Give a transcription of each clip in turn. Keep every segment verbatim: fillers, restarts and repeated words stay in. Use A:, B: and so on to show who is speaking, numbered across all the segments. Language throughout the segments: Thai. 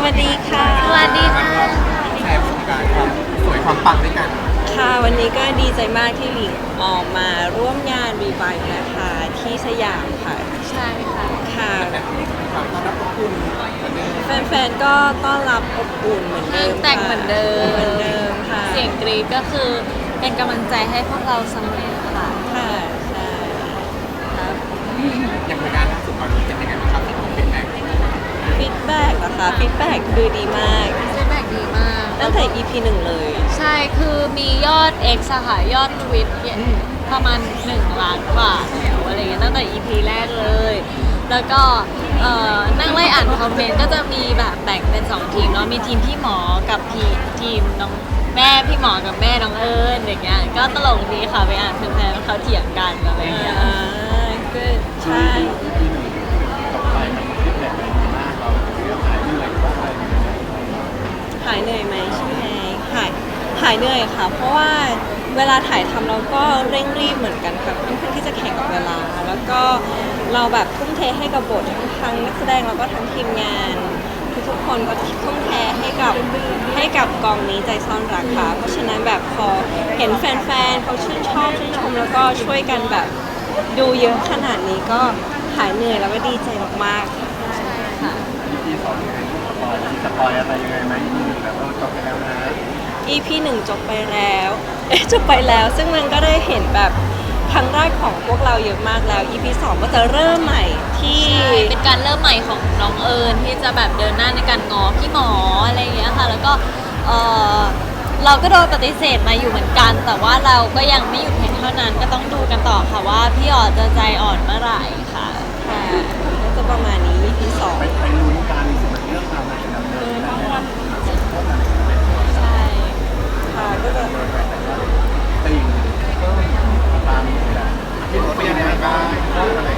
A: วัสดีค่ะ
B: สวัสดีค่ะ
C: แชร์ประสบการณ์ความสวยความปังด้วยกัน
A: ค่ะวันนี้ก็ดีใจมากที่หลิงออกมาร่วมงานรีไวฟ์นะคะที่สยามค่ะ
B: ใช่ค่ะ
A: ค่ะ
C: ความต้อนรับอบอุ่น
A: แฟนๆก็ต้อนรับอบอุ่นเหมือนเดิม
B: แต่งเหมือนเดิม
A: เหมือนเดิมค่ะ
B: เสียงกรี๊ดก็คือเป็นกำลังใจให้พวกเราเสมอค่ะ
A: ค่ะใช่ครับ
C: อย่างงานล่าสุดตอนนี้เป็นยังไงบ้างครับที่ผมเป็นแบงค์
A: ฟีดแบ็กนะคะฟีดแบ็กคือดีมาก
B: ฟีดแบ็กดีมาก
A: ตั้งแต่ อี พี หนึ่งเลย
B: ใช่คือมียอด X อะค่ะยอดทวิตประมาณหนึ่งล้านกว่าแล้วอะไรเงี้ยตั้งแต่ อี พี แรกเลยแล้วก็เอ่อนั่งไล่อ่านคอมเมนต์ก็จะมีแบบแบ่งเป็นสองทีมเนาะมีทีมพี่หมอกับทีมทีมน้องแม่พี่หมอกับแม่น้องเอิญอย่างเงี้ยก็ตลกดีค่ะไปอ่านแฟนๆเขาเถียงกันอะไรเงี้ย
A: อ่าก็ใช่
C: ต่อไปมันคิดแบบไหนมากเราเรื่องหายเหนื่อยหรือว่าอะไร
A: หายเหนื่อยไหมใช่ไหมหายหายเหนื่อยค่ะเพราะว่าเวลาถ่ายทำเราก็เร่งรีบเหมือนกันค่ะค่อนข้างที่จะแข่งกับเวลาแล้วก็เราแบบทุ่มเทให้กับบททั้งทั้งนักแสดงแล้วก็ทั้งทีมงานทุกๆคนก็ทุ่มเทให้กับให้กับกองนี้ใจซ่อนรักค่ะเพราะฉะนั้นแบบพอเห็นแฟนๆเขาชื่นชอบชื่นชมแล้วก็ช่วยกันแบบดูเยอะขนาดนี้ก็หายเหนื่อยแล้วก็ดีใจมากๆ
B: ใช่ค่ะ
C: อี พี สองยังไงสปอยมีสปอยอะไรยังไงไหมอี พี หนึ่งแบบเราจบไปแล้วนะ
A: อี พี หนึ่งจบไปแล้วเอ๊ะจบไปแล้วซึ่งมันก็ได้เห็นแบบครั้งแรกของพวกเราเยอะมากแล้ว อี พี สองก็จะเริ่มใหม่ที่
B: เป็นการเริ่มใหม่ของน้องเอิญที่จะแบบเดินหน้าในการง้อพี่หมออะไรอย่างเงี้ยค่ะแล้วก็เออเราก็โดนปฏิเสธมาอยู่เหมือนกันแต่ว่าเราก็ยังไม่หยุดเพียงเท่านั้นก็ต้องดูกันต่อค่ะว่าพี่อ๋อจะใจอ่อนเมื่อไหร่ค่ะ
A: ค่ะก็จะประมาณนี้ อี พี สอง
C: ไปไปลุ้นกันมันเรื่องราวไหนดำเนินนะ
B: ใช่
A: ค่ะก็จะ
C: ติ่งตามที่เราเป็นยังไงบ้างอะไร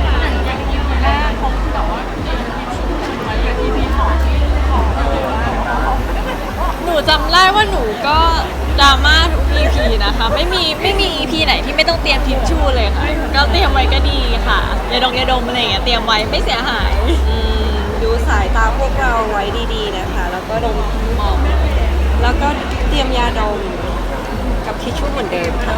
B: หนูจำได้ว่าหนูก็ดราม่าทุก อี พี นะคะไม่มีไม่มี อี พี ไหนที่ไม่ต้องเตรียมทิชชู่เลยค่ะก็เตรียมไว้ก็ดีค่ะยาดองยาดมอะไรอย่างเงี้ยเตรียมไว้ไม่เสียหาย
A: อืมดูสายตาพวกเราไว้ดีๆนะคะแล้วก็ดม
B: มอง
A: แล้วก็เตรียมยาดมกับทิชชู่เหมือนเดิมค่ะ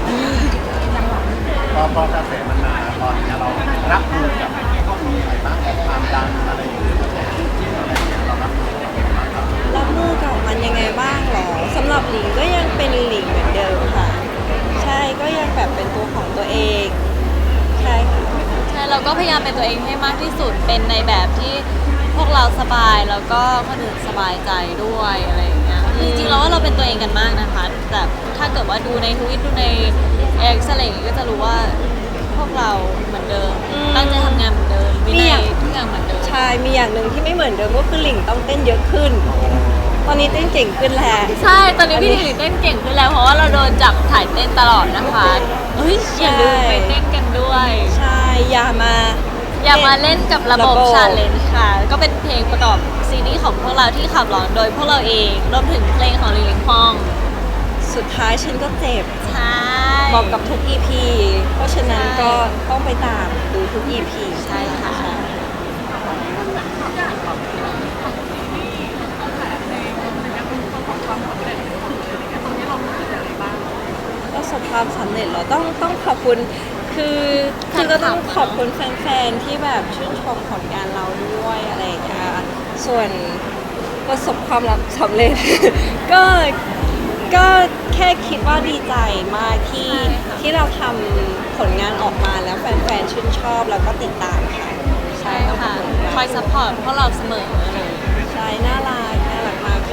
C: พอพอกระแสมันมาตอนนี้เรารับมือกับอะไรบ้างความดังอะไรอย่างเงี้ยอะไรอย่างเงี้ยเรารับมือกับมันบ้างครับ
A: รับมือกับมันยังไงบ้างหรอสำหรับหลิงก็ยังเป็นหลิงเหมือนเดิมค่ะใช่ก็ยังแบบเป็นตัวของตัวเองใช่ค่ะ
B: ใช่เราก็พยายามเป็นตัวเองให้มากที่สุดเป็นในแบบที่พวกเราสบายแล้วก็คนอื่นสบายใจด้วยอะไรอย่างเงี้ยจริงๆเราว่าเราเป็นตัวเองกันมากนะคะแต่ถ้าเกิดว่าดูในทวิตดูในเอ็กซ์อะไรอย่างเงี้ยก็จะรู้ว่าพวกเราเหมือนเดิมตั้งใจทำงานเหมือนเดิมวินัยทุกอย่างเหมือนเดิม
A: ใช่มีอย่างหนึ่งที่ไม่เหมือนเดิมก็คือหลิงต้องเต้นเยอะขึ้นตอนนี้เต้นเก่งขึ้นแล้ว
B: ใช่ตอนนี้พี่หลิงเต้นเก่งขึ้นแล้วเพราะว่าเราโดนจับถ่ายเต้นตลอดนะคะเฮ้ยอย่าลืมไปเต้นกันด้วย
A: ใช่อย่ามา
B: อย่ามาเล่นกับระบบชาเลนจ์ค่ะก็เป็นเพลงประกอบซีรีส์ของพวกเราที่ขับร้องโดยพวกเราเองรวมถึงเพลงของลิงลิงฟอง
A: สุดท้ายฉันก็เจ็บ
B: ใช่
A: บอกกับทุก อี พี เพราะฉะนั้นก็ต้องไปตามดูทุก อี พี
B: ใช่ค่ะ
A: ประสบความสำเร็จเหรอต้องต้องขอบคุณคือคือก็ต้องขอบคุณแฟนๆที่แบบชื่นชมผลงานเราด้วยอะไรอย่างเงี้ยส่วนประสบความสำเร็จ ก็ก็แค่คิดว่าดีใจมากที่ที่เราทำผลงานออกมาแล้วแฟนๆชื่นชอบแล้วก็ติดตามค่ะ
B: ใช่ค่ะคอยซัพพอร์ตพวกเราเสมอเลย
A: ใช่น่ารักน่ารักมาก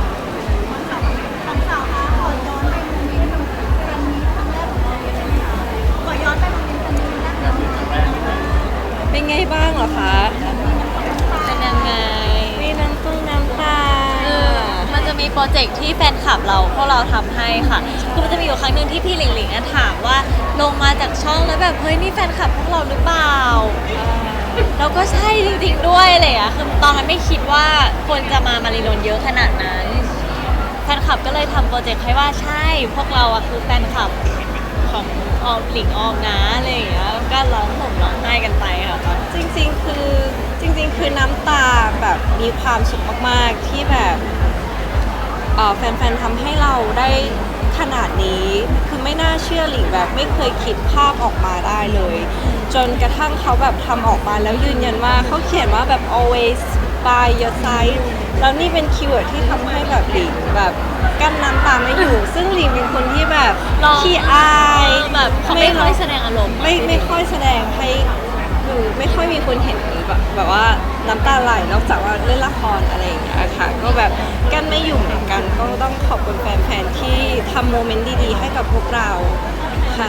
A: เป็นไงบ้างเหรอคะ
B: เป็นยังไง
A: มีน้ำตุ้งน้ำตา
B: มันจะมีโปรเจกต์ที่แฟนคลับเราพวกเราทำให้ค่ะคือมันจะมีอยู่ครั้งหนึ่งที่พี่หลิงหลิงถามว่าลงมาจากช่องแล้วแบบเฮ้ยนี่แฟนคลับพวกเราหรือเปล่าเราก็ใช่จริงๆด้วยเลยอะคือตอนนั้นไม่คิดว่าคนจะมามารีนนเยอะขนาดนั้นแฟนคลับก็เลยทำโปรเจกต์ให้ว่าใช่พวกเราอะคือแฟนคลับของออมหลิงออมนะอะไรอย่างเงี้ยก็ร้องห่มร้องไห้กันไปค่ะ
A: จริงๆคือจจริงๆ คือน้ำตาแบบมีความสุขมากๆ ที่แบบเอ่อแฟนๆทำให้เราได้ขนาดนี้ คือไม่น่าเชื่อหลิงแบบไม่เคยคิดภาพออกมาได้เลย จนกระทั่งเขาแบบทำออกมาแล้วยืนยันว่าเขาเขียนว่าแบบ always by your side แล้วนี่เป็นคีย์เวิร์ดที่ทำให้แบบหลิงแบบกั้นน้ำตาไม่อยู่ ซึ่งหลิงเป็นคนที่แบบ
B: ร้อง
A: ขี้อาย
B: แบบเขาไม่ค่อยแสดงอารมณ์
A: ไม่ไม่ค่อยแสดงให้คือไม่ค่อยมีคนเห็นแบบแบบว่าน้ำตาไหลนอกจากว่าเล่นละครอะไรอย่างเงี้ยค่ะก็แบบกั้นไม่อยู่เหมือนกันก็ต้องขอบคุณแฟนๆที่ทำโมเมนต์ดีๆให้กับพวกเราค่ะ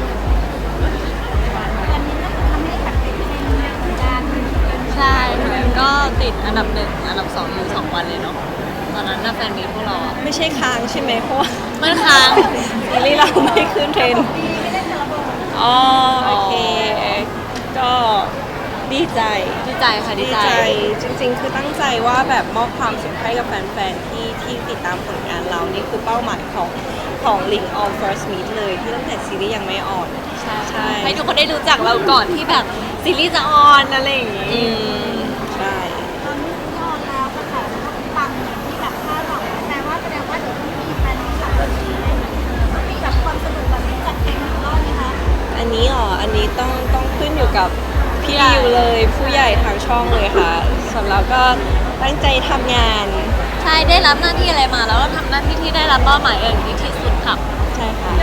B: ใช่ก็ติดอันดับหนึ่งอันดับสองอยู่สองวันเลยเนาะตอนนั้นน่าแฟนมีพวกเราอะ
A: ไม่ใช่ค้างใช่ไหมเพราะว่า
B: มันค้าง
A: ซีรีส์เราไม่ขึ้นเทรนด์อ๋อโอเค ก็ดีใจ
B: ดีใจค่ะดี
A: ดี
B: ใจ
A: ใจจริงๆ คือตั้งใจว่าแบบมอบความสุขให้กับแฟนๆ ที่ที่ติดตามผลงานเรา นี่คือเป้าหมายของของ Link on First Meet เลยที่ตั้งแต่ซีรีส์ยังไม่ออน
B: ใช่
A: ใช่
B: ให้ทุกคนได้รู้จักเราก่อนที่แบบซีรีส์จะออนอะไรอย่างงี้
A: อืมใช่
D: ตอนนี้ที่ออนแล้วกระแสมันก็ปังอย่างที่แบบคาดหวังแปลว่าแสดงว่าเดี๋ยวต้องมีแฟนคลับแบบนี้ต้องมีแบบความสนุกแบบนี้จัดแข่งอีกรอบไหมคะ
A: อันนี้อ๋ออันนี้ต้องต้องขึ้นอยู่กับพี่ริวเลยผู้ใหญ่ทางช่องเลยค่ะส่วนเราก็ตั้งใจทำงาน
B: ใช่ได้รับหน้าที่อะไรมาแล้วก็ทำหน้าที่ที่ได้รับเป้าหมายอย่างดีที่สุดค่ะ
A: ใช่ค่ะ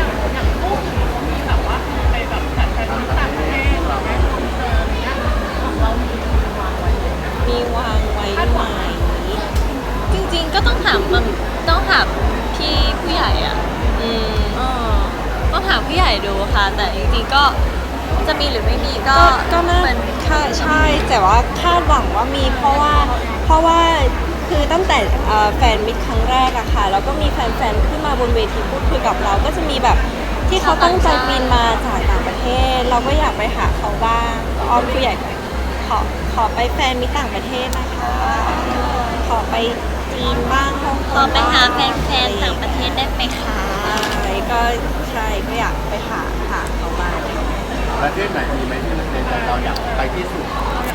A: มีวางไว้ไหม
B: จริงๆก็ต้องถามมันต้องถามพี่ผู้ใหญ่อ่ะ
A: อืม
B: เออต้องถามผู้ใหญ่ดูค่ะ แต่จริงๆก็จะมีหรือไม่มีก็
A: ก็ก็น่า
B: เหมือน
A: ค่ะใช่ แต่ว่าคาดหวังว่ามีเพราะว่าเพราะว่าคือตั้งแต่เอ่อแฟนมิตรครั้งแรกอะค่ะแล้วก็มีแฟนๆขึ้นมาบนเวทีพูดคุยกับเราก็จะมีแบบที่เขาตั้งใจบินมาจากต่างประเทศ เราก็อยากไปหาเขาบ้างก็อ้อมผู้ใหญ่ก็ขอขอไปแฟนมิตรต่างประเทศนะคะ ขอไปจีนบ้างฮ่องกง
B: เราไปหา
A: บ้ง
B: แฟนๆต่างประเทศได้ไหมคะ
A: ใช่ก็ใช่ก็อยากไปหาหาเขาบ้าง
C: ประเทศไหนมีไหมที่ในใจเราอยากไปที่สุด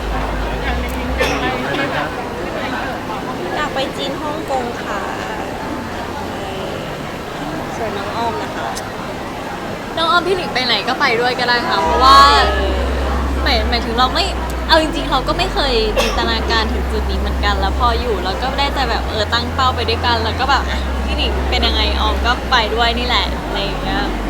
C: มีไหมครับ
A: อยากไปจีนฮ่องกงค่ะใช่ส่วนน้องอ้อมนะคะ
B: น้องออมพี่หลิงไปไหนก็ไปด้วยก็ได้ค่ะ เพราะว่าหมายหมายถึงเราไม่เอาจริงๆเราก็ไม่เคยจินตนาการถึงจุดนี้เหมือนกัน แล้วพออยู่เราก็ได้แต่แบบเออตั้งเป้าไปด้วยกัน แล้วก็แบบอ่ะพี่หลิงเป็นยังไงออมก็ไปด้วยนี่แหละอะไรอย่างเงี้ย
A: ใ